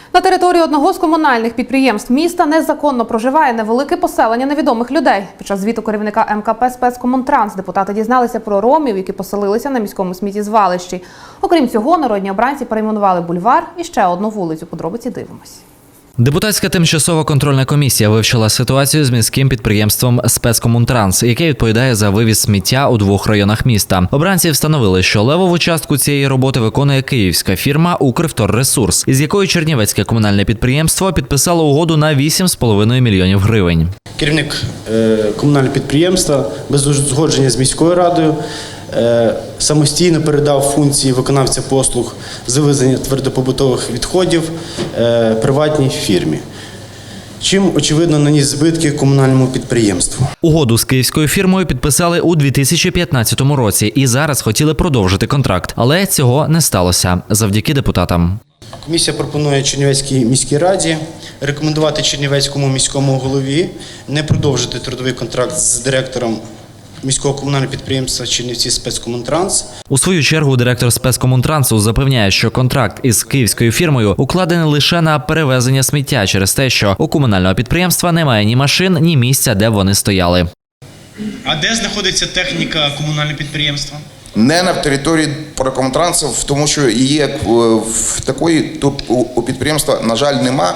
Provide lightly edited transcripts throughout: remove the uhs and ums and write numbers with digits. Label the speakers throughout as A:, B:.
A: На території одного з комунальних підприємств міста незаконно проживає невелике поселення невідомих людей. Під час звіту керівника МКП «Спецкомунтранс» депутати дізналися про ромів, які поселилися на міському сміттєзвалищі. Окрім цього, народні обранці перейменували бульвар і ще одну вулицю. Подробиці дивимось.
B: Депутатська тимчасова контрольна комісія вивчила ситуацію з міським підприємством «Спецкомунтранс», яке відповідає за вивіз сміття у двох районах міста. Обранці встановили, що левову частку цієї роботи виконує київська фірма «Укрвторресурс», із якою чернівецьке комунальне підприємство підписало угоду на 8,5 мільйонів гривень.
C: Керівник комунального підприємства без узгодження з міською радою самостійно передав функції виконавця послуг з вивезення твердопобутових відходів приватній фірмі, чим, очевидно, наніс збитки комунальному підприємству.
B: Угоду з київською фірмою підписали у 2015 році і зараз хотіли продовжити контракт, але цього не сталося завдяки депутатам.
C: Комісія пропонує Чернівецькій міській раді рекомендувати Чернівецькому міському голові не продовжити трудовий контракт з директором міського комунального підприємства «Чернівці Спецкомунтранс».
B: У свою чергу директор «Спецкомунтрансу» запевняє, що контракт із київською фірмою укладений лише на перевезення сміття через те, що у комунального підприємства немає ні машин, ні місця, де вони стояли.
C: А де знаходиться техніка комунального підприємства?
D: Не на території Спецкомунтрансу, тому що її як в такої тут у підприємства, на жаль, нема,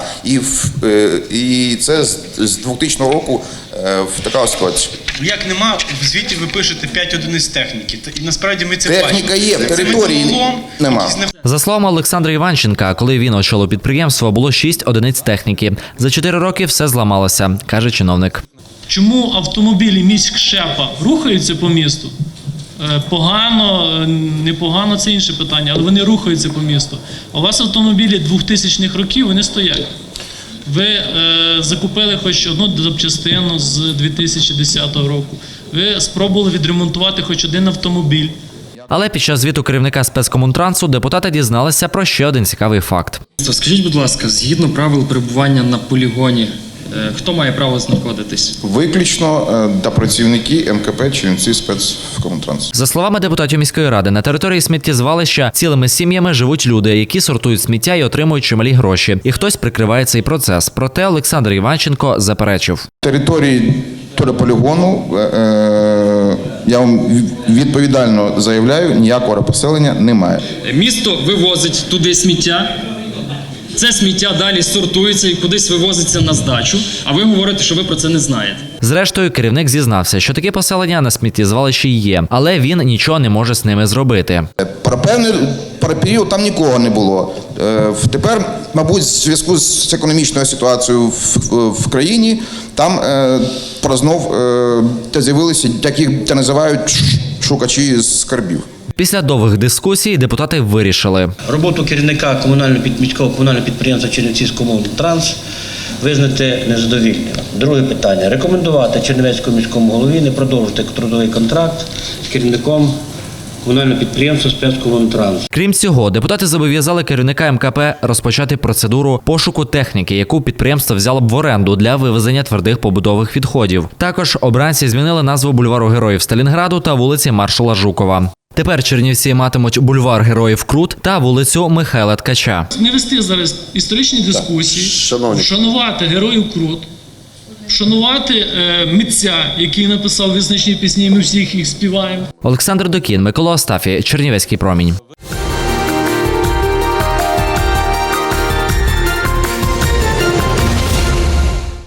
D: і це з 2000 року в така ситуація.
C: Як нема, в звіті ви пишете 5 одиниць техніки. І насправді ми це
D: техніка
C: бачимо.
D: Є, в території нема.
B: За словами Олександра Іванченка, коли він очолив підприємство, було 6 одиниць техніки. За 4 роки все зламалося, каже чиновник.
E: Чому автомобілі міськшепа рухаються по місту? Погано, непогано – це інше питання, але вони рухаються по місту. А у вас автомобілі 2000-х років, вони стоять. Ви закупили хоч одну запчастину з 2010 року. Ви спробували відремонтувати хоч один автомобіль.
B: Але під час звіту керівника «Спецкомунтрансу» депутати дізналися про ще один цікавий факт.
F: Скажіть, будь ласка, згідно правил перебування на полігоні, хто має право знаходитись?
D: Виключно та працівники МКП «Чернівці Спецкомунтранс».
B: За словами депутатів міської ради, на території сміттєзвалища цілими сім'ями живуть люди, які сортують сміття і отримують чималі гроші. І хтось прикриває цей процес. Проте Олександр Іванченко заперечив.
D: Території полігону, я вам відповідально заявляю, ніякого поселення немає.
F: Місто вивозить туди сміття. Це сміття далі сортується і кудись вивозиться на здачу, а ви говорите, що ви про це не знаєте.
B: Зрештою, керівник зізнався, що таке поселення на сміттєзвалищі є, але він нічого не може з ними зробити.
D: Про певний період там нікого не було. Тепер, мабуть, в зв'язку з економічною ситуацією в країні, там знов з'явилися такі, називають шукачі скарбів.
B: Після довгих дискусій депутати вирішили.
G: Роботу керівника міського комунального підприємства «Чернівці Спецкомунтранс» визнати незадовільною. Друге питання. Рекомендувати Чернівецькому міському голові не продовжити трудовий контракт з керівником комунального підприємства «Спецкомунтранс».
B: Крім цього, депутати зобов'язали керівника МКП розпочати процедуру пошуку техніки, яку підприємство взяло б в оренду для вивезення твердих побутових відходів. Також обранці змінили назву бульвару Героїв Сталінграду та вулиці Маршала Жукова. Тепер Чернівці матимуть бульвар Героїв Крут та вулицю Михайла Ткача.
E: Не вести зараз історичні дискусії, вшанувати Героїв Крут, вшанувати митця, який написав визначні пісні, ми всіх їх співаємо.
B: Олександр Докін, Микола Остафій, Чернівецький промінь.